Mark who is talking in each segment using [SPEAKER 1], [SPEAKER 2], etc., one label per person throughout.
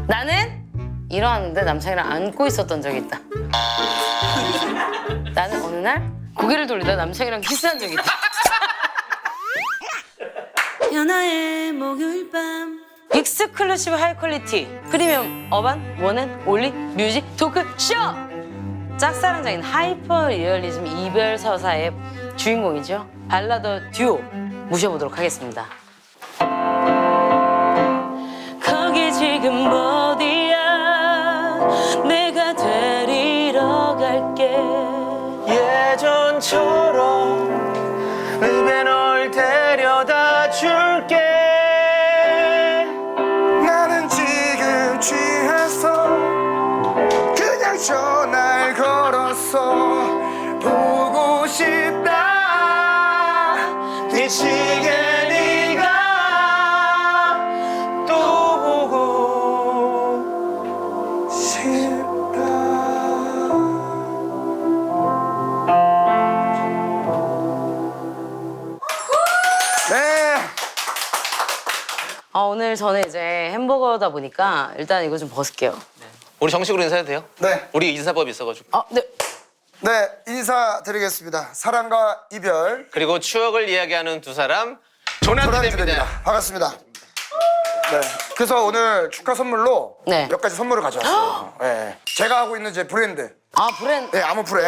[SPEAKER 1] 나는 일어났는데 남창이랑 안고 있었던 적이 있다. 나는 어느 날 고개를 돌리다 남창이랑 키스한 적이 있다. 연하의 목요일 밤 익스클루시브 하이 퀄리티 프리미엄 어반 원앤 올리 뮤직 토크 쇼! 짝사랑적인 하이퍼 리얼리즘 이별 서사의 주인공이죠. 발라더 듀오 모셔보도록 하겠습니다. 거기 지금 어디야? 내가 데리러 갈게.
[SPEAKER 2] 예전처럼 입에 널 데려다 줄게.
[SPEAKER 3] 나는 지금 취해서 그냥 전화를 걸었어. 보고 싶다
[SPEAKER 2] 미치게 네가 또 보고
[SPEAKER 3] 싶다. 네.
[SPEAKER 1] 오늘 저는 이제 햄버거다 보니까 일단 이거 좀 벗을게요.
[SPEAKER 2] 우리 정식으로 인사해도 돼요?
[SPEAKER 3] 네.
[SPEAKER 2] 우리 인사법이 있어가지고.
[SPEAKER 1] 네.
[SPEAKER 3] 네, 인사드리겠습니다. 사랑과 이별
[SPEAKER 2] 그리고 추억을 이야기하는 두 사람 조남지대입니다.
[SPEAKER 3] 조남지대입니다. 반갑습니다. 네, 그래서 오늘 축하 선물로
[SPEAKER 1] 네.
[SPEAKER 3] 몇 가지 선물을 가져왔어요. 네. 제가 하고 있는 제 브랜드,
[SPEAKER 1] 브랜드.
[SPEAKER 3] 네, 아모프레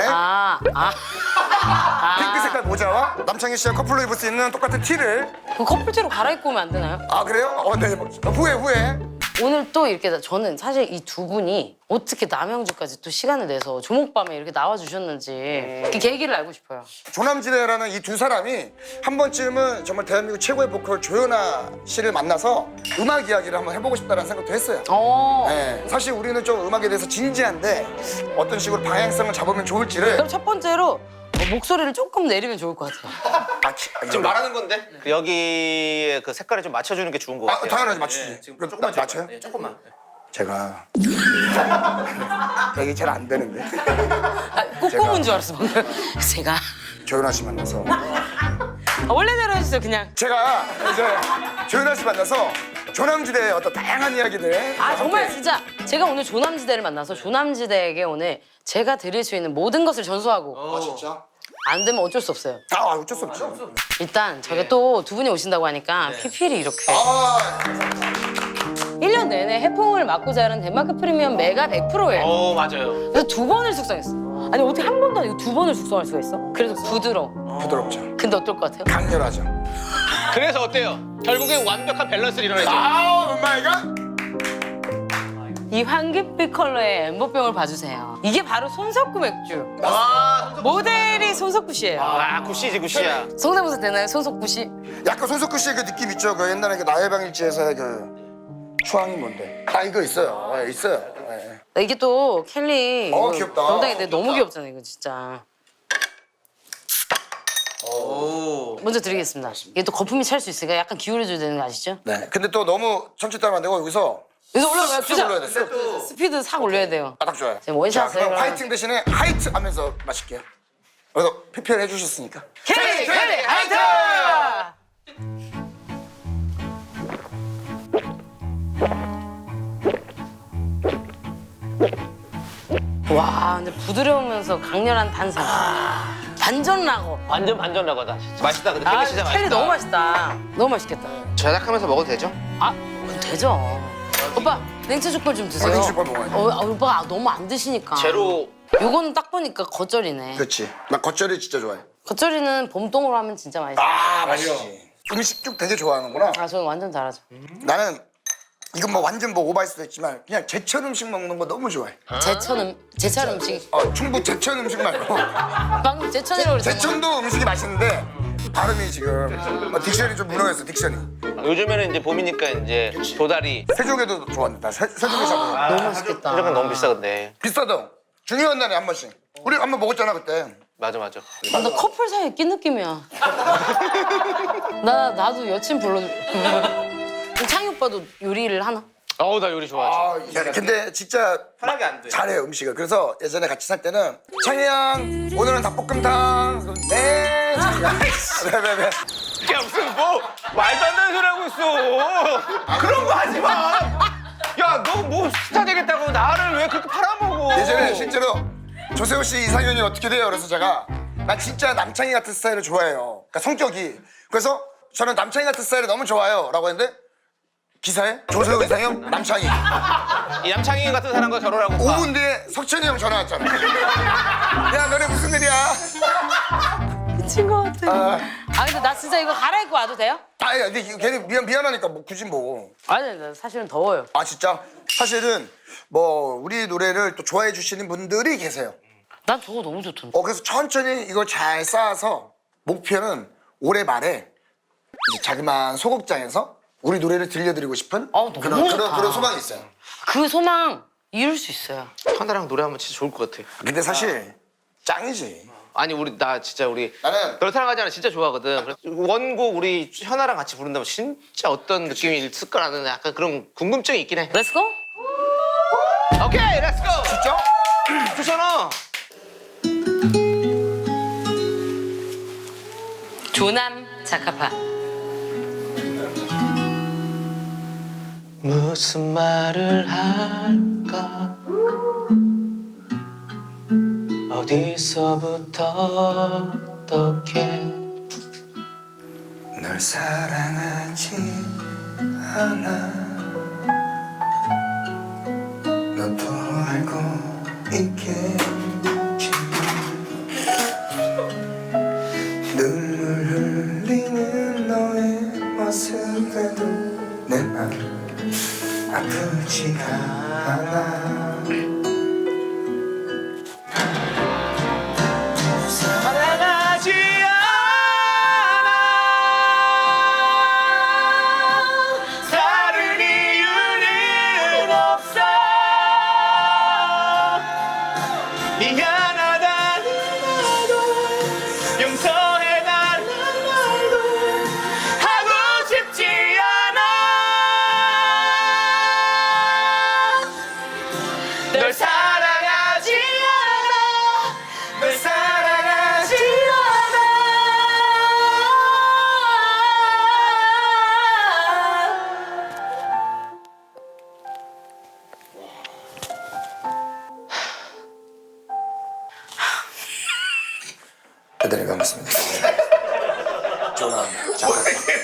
[SPEAKER 3] 핑크
[SPEAKER 1] 핑크
[SPEAKER 3] 색깔 모자와 남창희 씨와 커플로 입을 수 있는 똑같은 티를.
[SPEAKER 1] 그 커플티로 갈아입고 오면 안 되나요?
[SPEAKER 3] 아, 그래요? 네. 후에.
[SPEAKER 1] 오늘 또 이렇게 저는 사실 이 두 분이 어떻게 남양주까지 또 시간을 내서 조목밤에 이렇게 나와주셨는지 그 계기를 알고 싶어요.
[SPEAKER 3] 조남지대라는 이 두 사람이 한 번쯤은 정말 대한민국 최고의 보컬 조연아 씨를 만나서 음악 이야기를 한번 해보고 싶다는 생각도 했어요. 네, 사실 우리는 좀 음악에 대해서 진지한데 어떤 식으로 방향성을 잡으면 좋을지를.
[SPEAKER 1] 그럼 첫 번째로 목소리를 조금 내리면 좋을 것 같아요.
[SPEAKER 2] 지금 말하는 건데 여기에 그 색깔에 좀 맞춰주는 게 좋은 것 같아요.
[SPEAKER 3] 당연하지, 맞추지.
[SPEAKER 2] 지금
[SPEAKER 3] 그럼
[SPEAKER 2] 조금만
[SPEAKER 3] 맞춰요?
[SPEAKER 2] 네, 조금만.
[SPEAKER 3] 제가 이게 잘 안 되는데
[SPEAKER 1] 꼬꼬문 줄 알았어 방금. 제가
[SPEAKER 3] 조연아 씨 만나서
[SPEAKER 1] 원래대로 해주세요 그냥.
[SPEAKER 3] 제가 이제 조연아 씨 만나서 조남지대의 어떤 다양한 이야기들.
[SPEAKER 1] 정말 진짜 제가 오늘 조남지대를 만나서 조남지대에게 오늘 제가 드릴 수 있는 모든 것을 전수하고
[SPEAKER 3] 진짜?
[SPEAKER 1] 안 되면 어쩔 수 없어요.
[SPEAKER 3] 어쩔 수 없지.
[SPEAKER 1] 일단 저희가 또 두 분이 오신다고 하니까 PPL이 이렇게 1년 내내 해풍을 맞고 자란 덴마크 프리미엄 메가 100%예요.
[SPEAKER 2] 맞아요.
[SPEAKER 1] 그래서 두 번을 숙성했어. 아니 어떻게 한 번도 아니고 두 번을 숙성할 수가 있어? 그래서 부드러워.
[SPEAKER 3] 부드럽죠.
[SPEAKER 1] 근데 어떨 것 같아요?
[SPEAKER 3] 강렬하죠.
[SPEAKER 2] 그래서 어때요? 결국엔 완벽한 밸런스를 이뤄내죠.
[SPEAKER 3] 엄마이가?
[SPEAKER 1] 이 황금빛 컬러의 엠버병을 봐주세요. 이게 바로 손석구 맥주.
[SPEAKER 2] 아,
[SPEAKER 1] 모델이 손석구 씨예요.
[SPEAKER 2] 굿이지 굿이야.
[SPEAKER 1] 성대모사 되나요, 손석구 씨?
[SPEAKER 3] 약간 손석구 씨의 그 느낌 있죠. 그 옛날에 그 나의 방일지에서의 그 추앙이 뭔데? 이거 있어요. 네, 있어요. 네.
[SPEAKER 1] 이게 또 켈리.
[SPEAKER 3] 귀엽다.
[SPEAKER 1] 병장인데 너무 귀엽잖아요, 이거 진짜. 먼저 드리겠습니다. 이게 또 거품이 찰 수 있으니까 약간 기울여줘야 되는 거 아시죠?
[SPEAKER 3] 네. 근데 또 너무 천천히 따면 안 되고 여기서
[SPEAKER 1] 여기서 올라가요.
[SPEAKER 3] 쑥 올려야 돼. 쑥.
[SPEAKER 1] 스피드 싹 올려야 돼요.
[SPEAKER 3] 딱 좋아요.
[SPEAKER 1] 지금 원샷을
[SPEAKER 3] 자, 그럼
[SPEAKER 1] 그러면-
[SPEAKER 3] 화이팅 대신에 하이트 하면서 마실게요. 그래서 PPL 해주셨으니까.
[SPEAKER 1] 켈리 하이트! 와, 근데 부드러우면서 강렬한 탄산. 반전 라거.
[SPEAKER 2] 완전 반전 라거다. 맛있다. 근데 켈리 진짜 맛있다.
[SPEAKER 1] 켈리 너무 맛있다. 너무 맛있겠다.
[SPEAKER 2] 저작하면서 먹어도 되죠?
[SPEAKER 1] 그럼 되죠. 오빠, 냉채 족발 좀 드세요.
[SPEAKER 3] 냉채 족발 먹어야지.
[SPEAKER 1] 오빠가 너무 안 드시니까.
[SPEAKER 2] 제로.
[SPEAKER 1] 요거는 딱 보니까 겉절이네.
[SPEAKER 3] 그렇지. 나 겉절이 진짜 좋아해.
[SPEAKER 1] 겉절이는 봄동으로 하면 진짜 맛있어.
[SPEAKER 3] 맛있지. 음식 쭉 되게 좋아하는구나.
[SPEAKER 1] 저는 완전 잘하죠.
[SPEAKER 3] 나는 이건 뭐 완전 뭐 오버할 수도 있지만 그냥 제철 음식 먹는 거 너무 좋아해.
[SPEAKER 1] 제철 음식.
[SPEAKER 3] 충북 제천 음식 말고
[SPEAKER 1] 방금 제천이라고 그랬잖아.
[SPEAKER 3] 제천도 음식이 맛있는데 발음이 지금 딕션이 좀 무너졌어. 딕션이.
[SPEAKER 2] 요즘에는 이제 봄이니까 이제 도다리.
[SPEAKER 3] 세종에도 좋았는데 나 세종에 잡아.
[SPEAKER 1] 너무 맛있겠다.
[SPEAKER 2] 세종은 너무 비싸 근데.
[SPEAKER 3] 비싸도 중요한 날에 한 번씩. 우리 한 번 먹었잖아 그때.
[SPEAKER 2] 맞아.
[SPEAKER 1] 나 커플 사이에 낀 느낌이야. 나도 여친 불러. 창희 오빠도 요리를 하나?
[SPEAKER 2] 나 요리 좋아하지.
[SPEAKER 3] 근데 진짜
[SPEAKER 2] 편하게 안 돼.
[SPEAKER 3] 잘해요 음식을. 그래서 예전에 같이 살 때는 창희양 오늘은 닭볶음탕. 그럼 네. 창희양. 왜.
[SPEAKER 2] 야 무슨 뭐 말도 안 되는 소리 하고 있어. 그런 거 하지 마. 야 야, 너 뭐 스타 되겠다고 나를 왜 그렇게 팔아먹어?
[SPEAKER 3] 예전에 실제로 조세호 씨 이상형이 어떻게 돼요? 그래서 제가 나 진짜 남창희 같은 스타일을 좋아해요. 그러니까 성격이. 그래서 저는 남창희 같은 스타일이 너무 좋아요. 라고 했는데 기사에 조세호 이상형 남창희.
[SPEAKER 2] 이 남창희 같은 사람과 결혼하고
[SPEAKER 3] 5분 뒤에 석천이 형 전화 왔잖아. 야 너네 무슨 일이야?
[SPEAKER 1] 미친 것 같아. 아 근데 나 진짜 이거 갈아입고 와도 돼요?
[SPEAKER 3] 아니 근데 이거 괜히 미안하니까 뭐 굳이 뭐.
[SPEAKER 1] 아니 나 사실은 더워요.
[SPEAKER 3] 아 진짜? 사실은 뭐 우리 노래를 또 좋아해 주시는 분들이 계세요.
[SPEAKER 1] 난 저거 너무 좋던데.
[SPEAKER 3] 그래서 천천히 이걸 잘 쌓아서 목표는 올해 말에 이제 자그마한 소극장에서 우리 노래를 들려드리고 싶은
[SPEAKER 1] 너무 좋다.
[SPEAKER 3] 그런 소망이 있어요.
[SPEAKER 1] 그 소망 이룰 수 있어요.
[SPEAKER 2] 현아랑 노래하면 진짜 좋을 것 같아.
[SPEAKER 3] 근데 사실 짱이지.
[SPEAKER 2] 아니 나 진짜 우리
[SPEAKER 3] 나는
[SPEAKER 2] 널 사랑하지 않아 진짜 좋아하거든. 그래서 원곡 우리 현아랑 같이 부른다면 진짜 어떤 느낌이 있을까라는 약간 그런 궁금증이 있긴 해.
[SPEAKER 1] 렛츠고?
[SPEAKER 2] 오케이, 렛츠고.
[SPEAKER 3] 진짜?
[SPEAKER 2] 좋잖아.
[SPEAKER 1] 조남 자카파.
[SPEAKER 2] 무슨 말을 할까? 어디서부터 어떻게
[SPEAKER 3] 널 사랑하지 않아 너도 알고 있겠지 눈물 흘리는 너의 모습에도 내 맘 아프지가 않아
[SPEAKER 2] 사랑하지 않아 다른 이유는 없어 미안하다는 말도 용서해달라는 말도 하고 싶지 않아 널 사랑하지 않아 널 사랑하지
[SPEAKER 3] 대단히 반갑습니다. 조남 잠깐.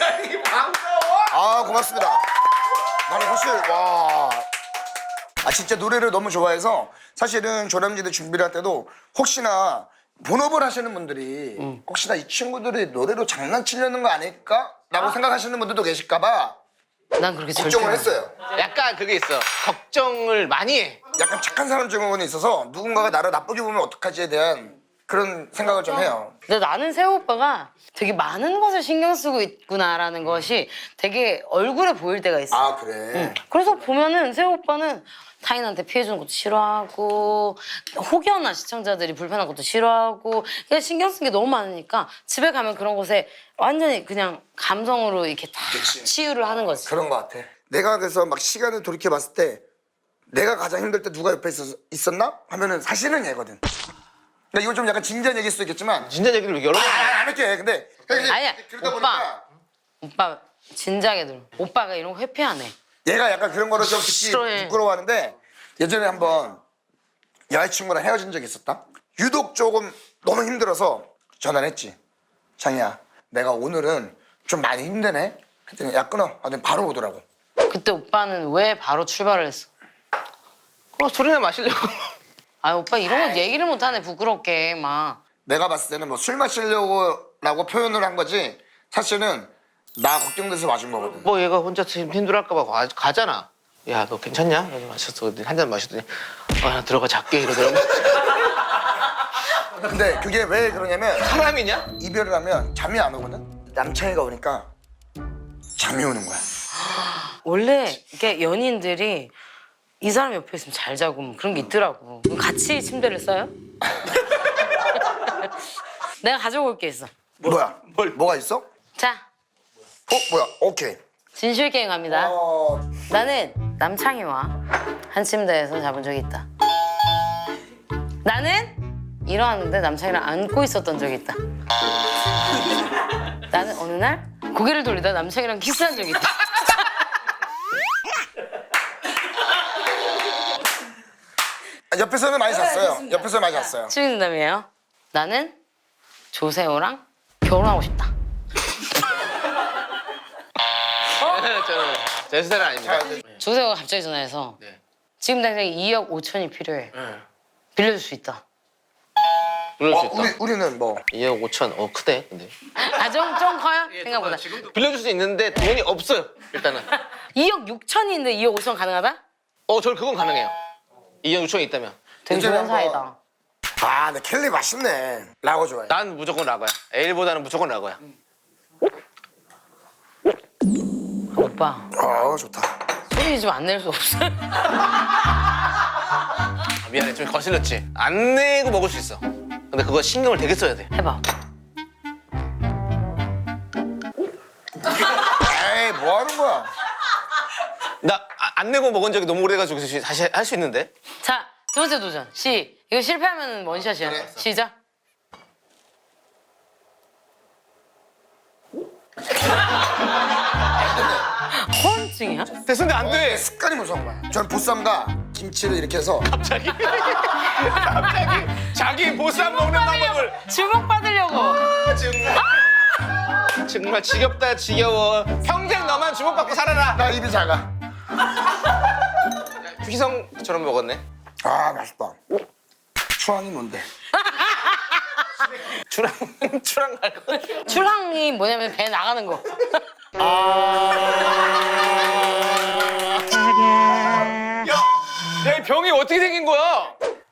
[SPEAKER 3] 아 고맙습니다. 나는 사실 와. 아 진짜 노래를 너무 좋아해서 사실은 조남지대 준비를 할 때도 혹시나 본업을 하시는 분들이 혹시나 이 친구들이 노래로 장난치려는 거 아닐까라고 생각하시는 분들도 계실까봐
[SPEAKER 1] 난 그렇게
[SPEAKER 3] 걱정을
[SPEAKER 1] 절대
[SPEAKER 3] 했어요.
[SPEAKER 2] 약간 그게 있어. 걱정을 많이 해.
[SPEAKER 3] 약간 착한 사람 증후군이 있어서 누군가가 나를 나쁘게 보면 어떡하지에 대한 그런 생각을 좀 해요.
[SPEAKER 1] 근데 나는 세호 오빠가 되게 많은 것을 신경 쓰고 있구나라는 것이 되게 얼굴에 보일 때가 있어.
[SPEAKER 3] 아 그래.
[SPEAKER 1] 그래서 보면은 세호 오빠는 타인한테 피해주는 것도 싫어하고 혹여나 시청자들이 불편한 것도 싫어하고 그냥 신경 쓴 게 너무 많으니까 집에 가면 그런 것에 완전히 그냥 감성으로 이렇게 다
[SPEAKER 3] 그치.
[SPEAKER 1] 치유를 하는 거지.
[SPEAKER 3] 그런 것 같아. 내가 그래서 막 시간을 돌이켜 봤을 때 내가 가장 힘들 때 누가 옆에 있었나 하면은 사실은 얘거든. 그러니까 이건 좀 약간 진지한 얘기일 수도 있겠지만
[SPEAKER 2] 진짜 얘기를 여러 번.
[SPEAKER 3] 안 할게. 근데
[SPEAKER 1] 아니야,
[SPEAKER 3] 그러다
[SPEAKER 1] 오빠.
[SPEAKER 3] 보니까
[SPEAKER 1] 오빠 진작에 들어. 오빠가 이런 거 회피하네.
[SPEAKER 3] 얘가 약간 그런 거를 좀 듣기
[SPEAKER 1] 싫어해.
[SPEAKER 3] 부끄러워하는데 예전에 한번 여자친구랑 헤어진 적이 있었다. 유독 조금 너무 힘들어서 전화를 했지. 장이야, 내가 오늘은 좀 많이 힘드네. 그랬더니 야 끊어. 아, 바로 오더라고.
[SPEAKER 1] 그때 오빠는 왜 바로 출발을 했어?
[SPEAKER 2] 술이나 마시려고.
[SPEAKER 1] 아 오빠 이런 거 얘기를 못하네 부끄럽게 막.
[SPEAKER 3] 내가 봤을 때는 뭐 술 마시려고라고 표현을 한 거지 사실은 나 걱정돼서 마신 거거든.
[SPEAKER 2] 뭐 얘가 혼자 힘들할까봐 가잖아. 야, 너 괜찮냐? 그래서 마셨어. 한 잔 마셨더니 나 들어가 잘게 이러더라고.
[SPEAKER 3] 근데 그게 왜 그러냐면
[SPEAKER 2] 사람이냐?
[SPEAKER 3] 이별을 하면 잠이 안 오거든. 남창이가 오니까 잠이 오는 거야.
[SPEAKER 1] 원래 이게 연인들이 이 사람 옆에 있으면 잘 자고 뭐 그런 게 있더라고. 그럼 같이 침대를 써요? 내가 가져고 올 게 있어.
[SPEAKER 3] 뭐야? 뭐가 있어?
[SPEAKER 1] 자,
[SPEAKER 3] 뭐야? 오케이.
[SPEAKER 1] 진실 게임 갑니다. 나는 남창희와 한 침대에서 자본 적이 있다. 나는 일어났는데 남창희랑 안고 있었던 적이 있다. 나는 어느 날 고개를 돌리다 남창희랑 키스한 적이 있다.
[SPEAKER 3] 옆에서는 많이 잤어요. 옆에서 많이 잤어요.
[SPEAKER 1] 추진담이에요. 나는 조세호랑 결혼하고 싶다.
[SPEAKER 2] 저는 제 스타일은 아닙니다.
[SPEAKER 1] 조세호가 갑자기 전화해서
[SPEAKER 2] 네.
[SPEAKER 1] 지금 당장 2억 5천이 필요해.
[SPEAKER 2] 네.
[SPEAKER 1] 빌려줄 수 있다.
[SPEAKER 2] 그럴 수 있다.
[SPEAKER 3] 우리는 뭐
[SPEAKER 2] 2억 5천. 크대 근데.
[SPEAKER 1] 좀 커요? 생각보다.
[SPEAKER 2] 빌려줄 수 있는데 돈이 없어요. 일단은.
[SPEAKER 1] 2억 6천인데 2억 5천 가능하다?
[SPEAKER 2] 저는 그건 가능해요. 2억 6천이 있다면.
[SPEAKER 1] 되게
[SPEAKER 3] 이제는
[SPEAKER 1] 좋은 사이다.
[SPEAKER 3] 아, 근데 켈리 맛있네. 라고 좋아해.
[SPEAKER 2] 난 무조건 라거야. 에일보다는 무조건 라거야.
[SPEAKER 1] 오빠
[SPEAKER 3] 좋다.
[SPEAKER 1] 소리 좀 안 낼 수 없어?
[SPEAKER 2] 미안해, 좀 거슬렸지. 안 내고 먹을 수 있어. 근데 그거 신경을 되게 써야 돼.
[SPEAKER 1] 해봐.
[SPEAKER 3] 에이, 뭐 하는 거야?
[SPEAKER 2] 나 안 내고 먹은 적이 너무 오래돼가지고 다시 할 수 있는데.
[SPEAKER 1] 자, 두 번째 도전. 이거 실패하면 원샷이야. 시작. 허언증이야?
[SPEAKER 2] 됐는데 안 돼.
[SPEAKER 3] 습관이 무서운 거야. 저는 보쌈과 김치를 이렇게 해서
[SPEAKER 2] 갑자기 자기 보쌈 먹는 방법을.
[SPEAKER 1] 주목 받으려고.
[SPEAKER 2] 정말 지겹다 지겨워. 평생 너만 주목받고 살아라.
[SPEAKER 3] 나 입이 작아.
[SPEAKER 2] 휘성처럼 먹었네.
[SPEAKER 3] 아, 맛있다. 추앙이 뭔데?
[SPEAKER 2] 추랑 갈 거.
[SPEAKER 1] 출항이 뭐냐면 배 나가는 거.
[SPEAKER 2] 야, 이 병이 어떻게 생긴 거야?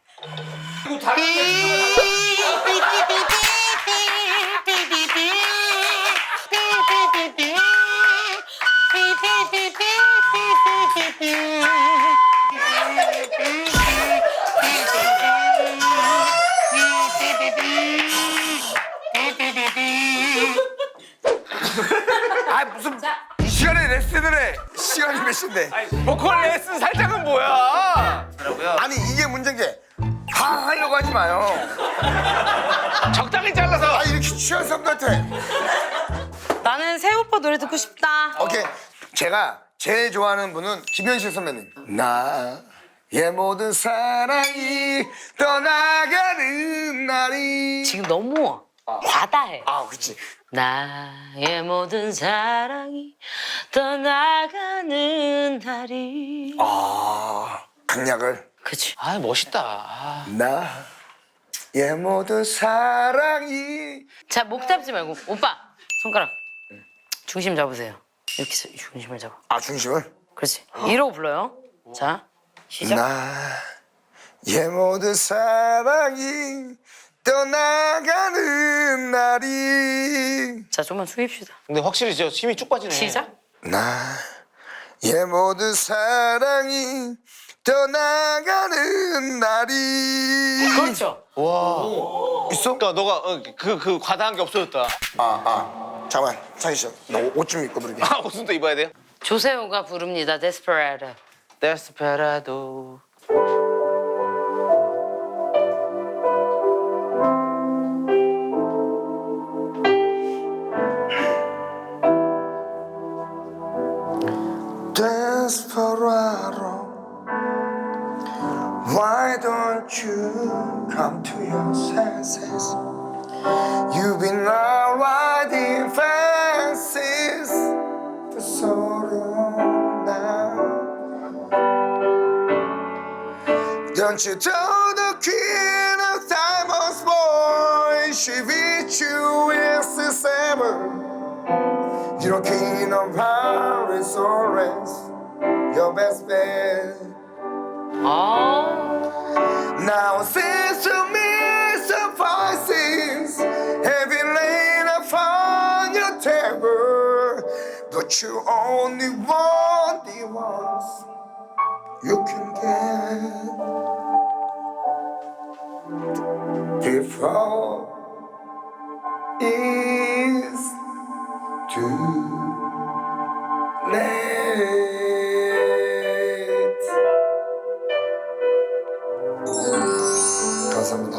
[SPEAKER 3] 아, 무슨 이 시간에 레슨을 해. 시간이 몇 시인데?
[SPEAKER 2] 보컬 레슨 살짝은 뭐야?
[SPEAKER 3] 아니, 이게 문제인 게 다 하려고 하지 마요.
[SPEAKER 2] 적당히 잘라서.
[SPEAKER 3] 아, 이렇게 취한 사람들한테.
[SPEAKER 1] 나는 새 오빠 노래 듣고 싶다.
[SPEAKER 3] 오케이. 제가 제일 좋아하는 분은 김현식 선배님. 나의 모든 사랑이 떠나가는 날이.
[SPEAKER 1] 지금 너무 과다해.
[SPEAKER 3] 아, 그치.
[SPEAKER 1] 나의 모든 사랑이 떠나가는 날이.
[SPEAKER 3] 강약을.
[SPEAKER 1] 그치.
[SPEAKER 2] 아, 멋있다.
[SPEAKER 3] 나의 모든 사랑이.
[SPEAKER 1] 자, 목 잡지 말고. 오빠, 손가락. 중심 잡으세요. 이렇게 해서 중심을 잡아.
[SPEAKER 3] 아, 중심을?
[SPEAKER 1] 그렇지. 이러고 불러요. 자, 시작.
[SPEAKER 3] 나의 모든 사랑이 떠나가는 날이.
[SPEAKER 1] 자, 좀만 숙입시다.
[SPEAKER 2] 근데 확실히 저 힘이 쭉 빠지네.
[SPEAKER 1] 시작.
[SPEAKER 3] 나의 모든 사랑이 떠나가는 날이.
[SPEAKER 1] 그렇죠.
[SPEAKER 3] 있어?
[SPEAKER 2] 그러니까 너가 그 과다한 게 없어졌다.
[SPEAKER 3] 잠깐만, 창희 씨, 나 옷 좀 입고 부르게.
[SPEAKER 2] 무슨 또 입어야 돼요?
[SPEAKER 1] 조세호가 부릅니다. 데스페라도.
[SPEAKER 2] 데스페라도.
[SPEAKER 3] Desperado, why don't you come to your senses? You've been out riding fences for so long now. Don't you know the queen of diamonds, boy? She beat you in December. You're king of Paris, orange, your best bet. Now it seems to me surprises heavy laid upon your table, but you only want the ones you can get before it's too late. 감사합니다.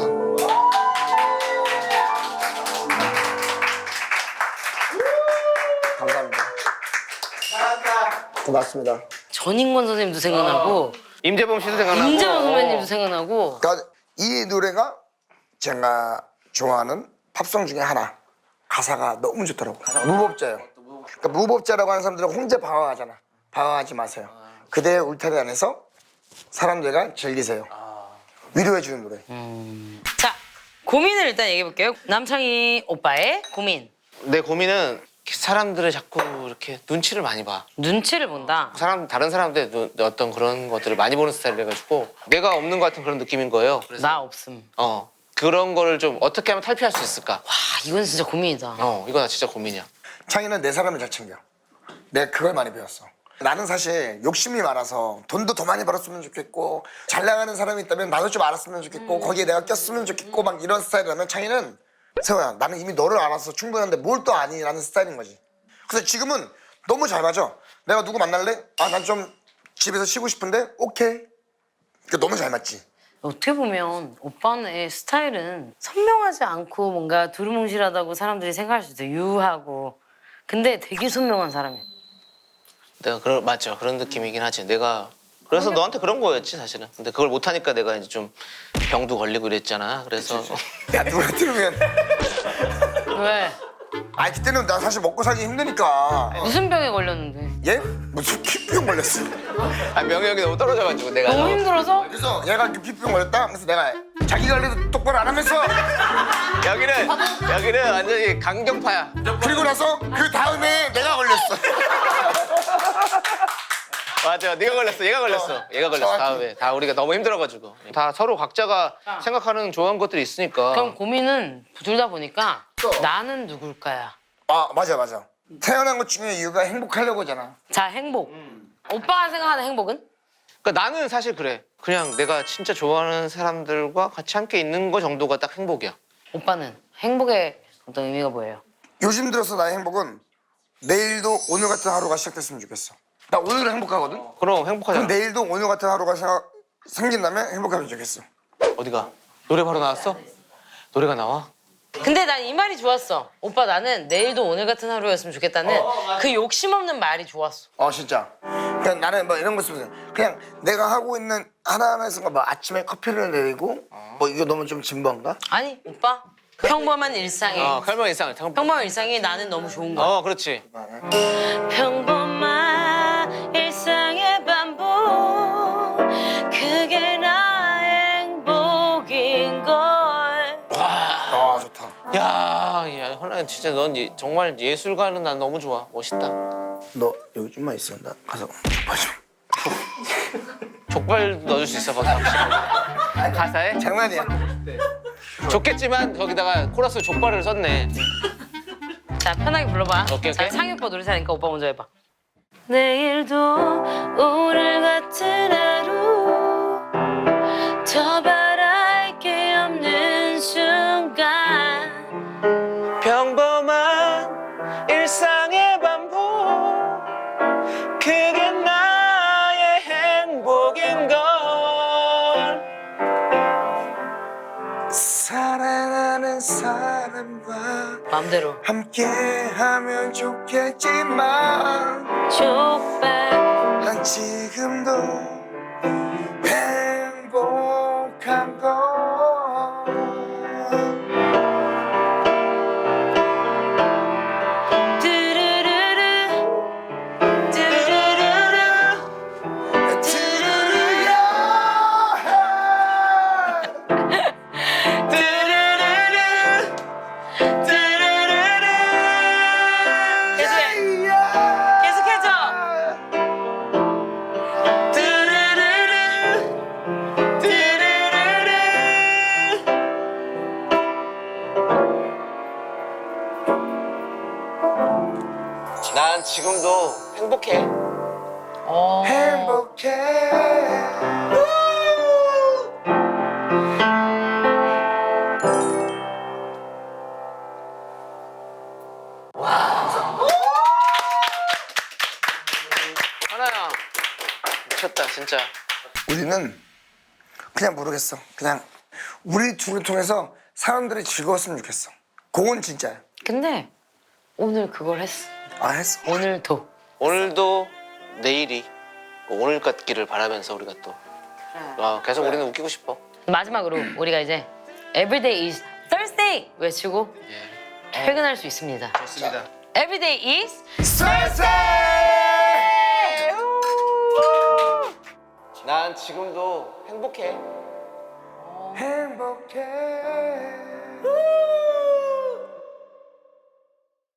[SPEAKER 3] 감사합니다. 고맙습니다.
[SPEAKER 1] 전인권 선생님도 생각나고
[SPEAKER 2] 임재범 씨도 생각나고.
[SPEAKER 1] 임재범 선배님도 생각나고.
[SPEAKER 3] 그러니까 이 노래가 제가 좋아하는 팝송 중에 하나. 가사가 너무 좋더라고. 무법자예요. 그러니까 무법자라고 하는 사람들은 혼자 방황하잖아. 방황하지 마세요. 그대의 울타리 안에서 사람들과 즐기세요. 위로해주는 노래.
[SPEAKER 1] 자, 고민을 일단 얘기해볼게요. 남창희 오빠의 고민.
[SPEAKER 2] 내 고민은 사람들을 자꾸 이렇게 눈치를 많이 봐.
[SPEAKER 1] 눈치를 본다.
[SPEAKER 2] 다른 사람들의 어떤 그런 것들을 많이 보는 스타일이라 가지고 내가 없는 것 같은 그런 느낌인 거예요.
[SPEAKER 1] 나 없음.
[SPEAKER 2] 그런 거를 좀 어떻게 하면 탈피할 수 있을까?
[SPEAKER 1] 와, 이건 진짜 고민이다.
[SPEAKER 2] 이거 나 진짜 고민이야.
[SPEAKER 3] 창희는 내 사람을 잘 챙겨. 내가 그걸 많이 배웠어. 나는 사실 욕심이 많아서 돈도 더 많이 벌었으면 좋겠고 잘 나가는 사람이 있다면 나도 좀 알았으면 좋겠고 거기에 내가 꼈으면 좋겠고 막 이런 스타일이라면 창희는 세호야 나는 이미 너를 알아서 충분한데 뭘 또 아니? 라는 스타일인 거지. 근데 지금은 너무 잘 맞아. 내가 누구 만날래? 아, 난 좀 집에서 쉬고 싶은데 오케이. 그러니까 너무 잘 맞지.
[SPEAKER 1] 어떻게 보면 오빠의 스타일은 선명하지 않고 뭔가 두루뭉실하다고 사람들이 생각할 수도 있어요. 유하고. 근데 되게 선명한 사람이야.
[SPEAKER 2] 내가 맞죠. 그런 느낌이긴 하지. 내가 그래서 너한테 그런 거였지 사실은. 근데 그걸 못 하니까 내가 이제 좀 병도 걸리고 이랬잖아. 그래서
[SPEAKER 3] 야 누가 들으면
[SPEAKER 1] 왜?
[SPEAKER 3] 아 그때는 나 사실 먹고 살기 힘드니까
[SPEAKER 1] 무슨 병에 걸렸는데?
[SPEAKER 3] 얘? 무슨 피부병 걸렸어.
[SPEAKER 2] 명예욕이 너무 떨어져가지고 내가
[SPEAKER 1] 너무 힘들어서?
[SPEAKER 3] 그래서 얘가 피부병 걸렸다. 그래서 내가 자기 관리도 똑바로 안 하면서
[SPEAKER 2] 여기는 완전히 강경파야.
[SPEAKER 3] 그리고 나서 그 다음에 내가 걸렸어.
[SPEAKER 2] 맞아, 네가 걸렸어, 얘가 걸렸어, 얘가 걸렸어.
[SPEAKER 3] 정확히.
[SPEAKER 2] 다음에 다 우리가 너무 힘들어가지고 다 서로 각자가 생각하는 좋아하는 것들이 있으니까.
[SPEAKER 1] 그럼 고민은 둘 다 보니까 나는 누굴까야?
[SPEAKER 3] 아 맞아 맞아. 태어난 것 중에 이유가 행복하려고잖아.
[SPEAKER 1] 자, 행복. 오빠가 생각하는 행복은?
[SPEAKER 2] 그러니까 나는 사실 그래. 그냥 내가 진짜 좋아하는 사람들과 같이 함께 있는 거 정도가 딱 행복이야.
[SPEAKER 1] 오빠는 행복의 어떤 의미가 뭐예요?
[SPEAKER 3] 요즘 들어서 나의 행복은 내일도 오늘 같은 하루가 시작됐으면 좋겠어. 나 오늘은 행복하거든.
[SPEAKER 2] 그럼 행복하잖아.
[SPEAKER 3] 그럼 내일도 오늘 같은 하루가 생긴다면 행복하면 좋겠어.
[SPEAKER 2] 어디가? 노래 바로 나왔어? 노래가 나와?
[SPEAKER 1] 근데 난 이 말이 좋았어. 오빠 나는 내일도 오늘 같은 하루였으면 좋겠다는 그 욕심 없는 말이 좋았어.
[SPEAKER 3] 진짜. 그냥 나는 뭐 이런 거 쓰면 그냥 내가 하고 있는 하나하나에서 뭐 아침에 커피를 내리고 뭐 이거 너무 좀 진부한가?
[SPEAKER 1] 아니 오빠 평범한 일상에
[SPEAKER 2] 설명 이상을.
[SPEAKER 1] 평범한 일상이 나는 너무 좋은 거야.
[SPEAKER 2] 그렇지.
[SPEAKER 1] 평범한 일상의 반복 그게 나의 행복인걸.
[SPEAKER 3] 아 좋다.
[SPEAKER 2] 야, 현아 진짜 넌 정말 예술가는 난 너무 좋아. 멋있다.
[SPEAKER 3] 너 여기 좀만 있어. 나 가서 맞아.
[SPEAKER 2] 족발 넣어줄 수 있어, 거기 가사에?
[SPEAKER 3] 장난이야.
[SPEAKER 2] 좋겠지만 거기다가 코러스 족발을 썼네.
[SPEAKER 1] 자 편하게 불러봐.
[SPEAKER 2] 오케이,
[SPEAKER 1] 자
[SPEAKER 2] 오케이.
[SPEAKER 1] 상희 오빠 노래 잘하니까 오빠 먼저 해봐. 내일도 오늘 같은 하루 더 바랄 게 없는 순간
[SPEAKER 2] 평범한 일상의 반복 그게 나의 행복인걸.
[SPEAKER 3] 사랑하는 사람과
[SPEAKER 1] 마음대로
[SPEAKER 3] 함께하면 좋겠지만
[SPEAKER 1] 족발
[SPEAKER 3] 난 지금도 행복한 걸.
[SPEAKER 1] 뚜루루루 뚜루루루
[SPEAKER 3] 뚜루루야.
[SPEAKER 1] 계속해줘.
[SPEAKER 2] 난 지금도 행복해.
[SPEAKER 3] 행복해.
[SPEAKER 2] 하나야, 미쳤다 진짜.
[SPEAKER 3] 우리는 그냥 모르겠어. 그냥 우리 둘을 통해서 사람들이 즐거웠으면 좋겠어. 그건 진짜야.
[SPEAKER 1] 근데 오늘 그걸 했어.
[SPEAKER 3] 했어.
[SPEAKER 1] 오늘도.
[SPEAKER 2] 오늘도 내일이 오늘 같기를 바라면서 우리가 또 계속 우리는 웃기고 싶어.
[SPEAKER 1] 마지막으로 우리가 이제 Everyday is Thursday 외치고 퇴근할 수 있습니다.
[SPEAKER 2] 좋습니다.
[SPEAKER 1] Everyday is
[SPEAKER 3] 쌀쌀!
[SPEAKER 2] 난 지금도 행복해.
[SPEAKER 3] 행복해.